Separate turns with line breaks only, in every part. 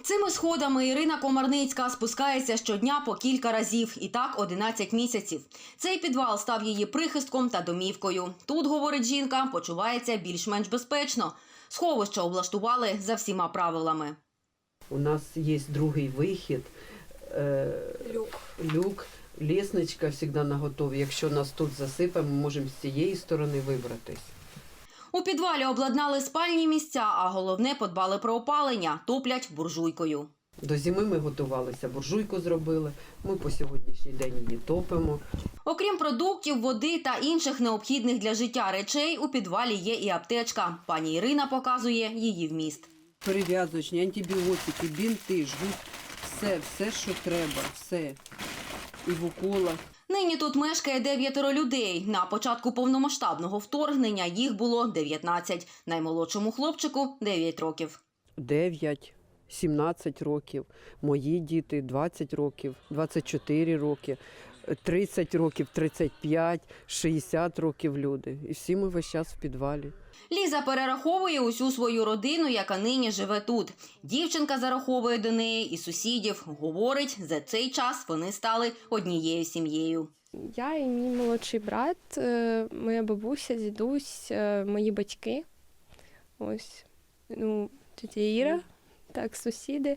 Цими сходами Ірина Комарницька спускається щодня по кілька разів. І так 11 місяців. Цей підвал став її прихистком та домівкою. Тут, говорить жінка, почувається більш-менш безпечно. Сховище облаштували за всіма правилами.
У нас є другий вихід, люк, лестничка завжди наготові. Якщо нас тут засипе, ми можемо з цієї сторони вибратись.
У підвалі обладнали спальні місця, а головне – подбали про опалення, топлять буржуйкою.
До зими ми готувалися, буржуйку зробили, ми по сьогоднішній день її топимо.
Окрім продуктів, води та інших необхідних для життя речей, у підвалі є і аптечка. Пані Ірина показує її вміст.
Перев'язочні, антибіотики, бінти, жгут, все, що треба, все. І в уколах.
Нині тут мешкає 9 людей. На початку повномасштабного вторгнення їх було 19. Наймолодшому хлопчику – 9 років.
9, 17 років, мої діти 20 років, 24 роки, 30 років, 35, 60 років люди. І всі ми весь час в підвалі.
Ліза перераховує усю свою родину, яка нині живе тут. Дівчинка зараховує до неї і сусідів. Говорить, за цей час вони стали однією сім'єю.
Я і мій молодший брат, моя бабуся, дідусь, мої батьки. Ось, тетя Іра, так, сусіди.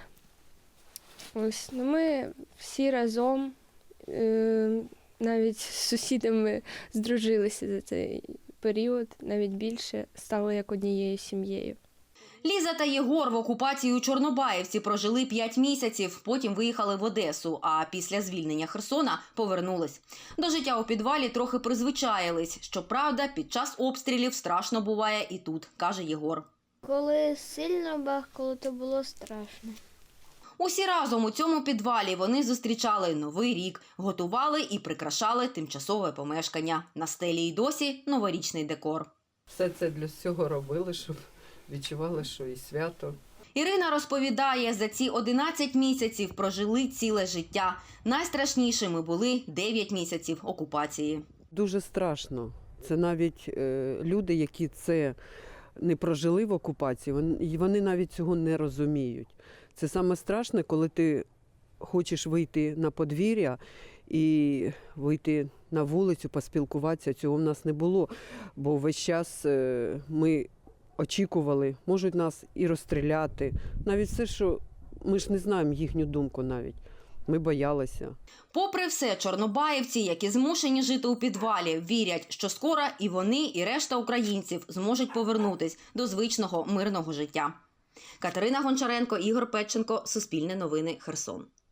Ось, ми всі разом, навіть з сусідами здружилися за цей період, навіть більше, стали як однією сім'єю.
Ліза та Єгор в окупації у Чорнобаївці прожили 5 місяців, потім виїхали в Одесу, а після звільнення Херсона повернулись. До життя у підвалі трохи призвичаїлись. Щоправда, під час обстрілів страшно буває і тут, каже Єгор.
Коли сильно бахкало, то було страшно.
Усі разом у цьому підвалі вони зустрічали Новий рік, готували і прикрашали тимчасове помешкання. На стелі й досі новорічний декор.
Все це для цього робили, щоб відчували, що і свято.
Ірина розповідає, за ці 11 місяців прожили ціле життя. Найстрашнішими були 9 місяців окупації.
Дуже страшно. Це навіть люди, які це не прожили в окупації, вони навіть цього не розуміють. Це саме страшне, коли ти хочеш вийти на подвір'я і вийти на вулицю, поспілкуватися. Цього в нас не було, бо весь час ми очікували, можуть нас і розстріляти. Навіть все, що ми ж не знаємо їхню думку навіть. Ми боялися.
Попри все, чорнобаївці, які змушені жити у підвалі, вірять, що скоро і вони, і решта українців зможуть повернутись до звичного мирного життя. Катерина Гончаренко, Ігор Петченко, Суспільне новини, Херсон.